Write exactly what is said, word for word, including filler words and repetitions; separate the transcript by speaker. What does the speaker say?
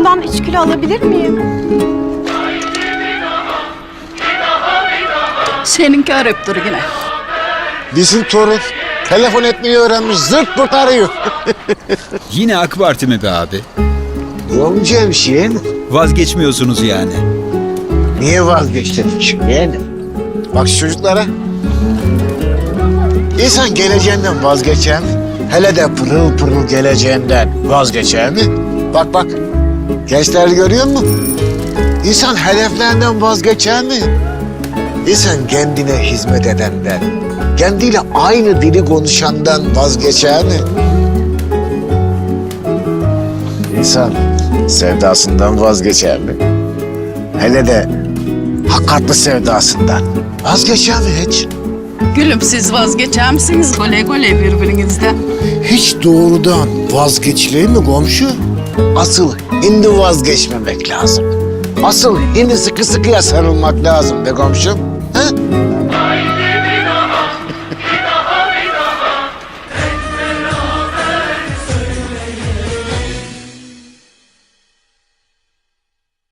Speaker 1: bundan üç kilo alabilir miyim?
Speaker 2: Seninki arayıp dur yine.
Speaker 3: Bizim torun telefon etmeyi öğrenmiş, zırt pırt arıyor.
Speaker 4: Yine AK Parti mi be abi?
Speaker 3: Olmayacak bir şey mi?
Speaker 4: Vazgeçmiyorsunuz yani.
Speaker 3: Niye vazgeçtin yani? Bak şu çocuklara. İnsan geleceğinden vazgeçer mi? Hele de pırıl pırıl geleceğinden vazgeçer mi? Bak bak, gençler görüyor musun? İnsan hedeflerinden vazgeçer mi? İnsan kendine hizmet edenden, kendiyle aynı dili konuşandan vazgeçer mi? İnsan sevdasından vazgeçer mi? Hele de hakikatli sevdasından vazgeçer mi hiç?
Speaker 2: Gülüm siz vazgeçer misiniz gole gole birbirinizden?
Speaker 3: Hiç doğrudan vazgeçilir mi komşu? Asıl hindi vazgeçmemek lazım. Asıl hindi sıkı sıkıya sarılmak lazım be komşum. Ha?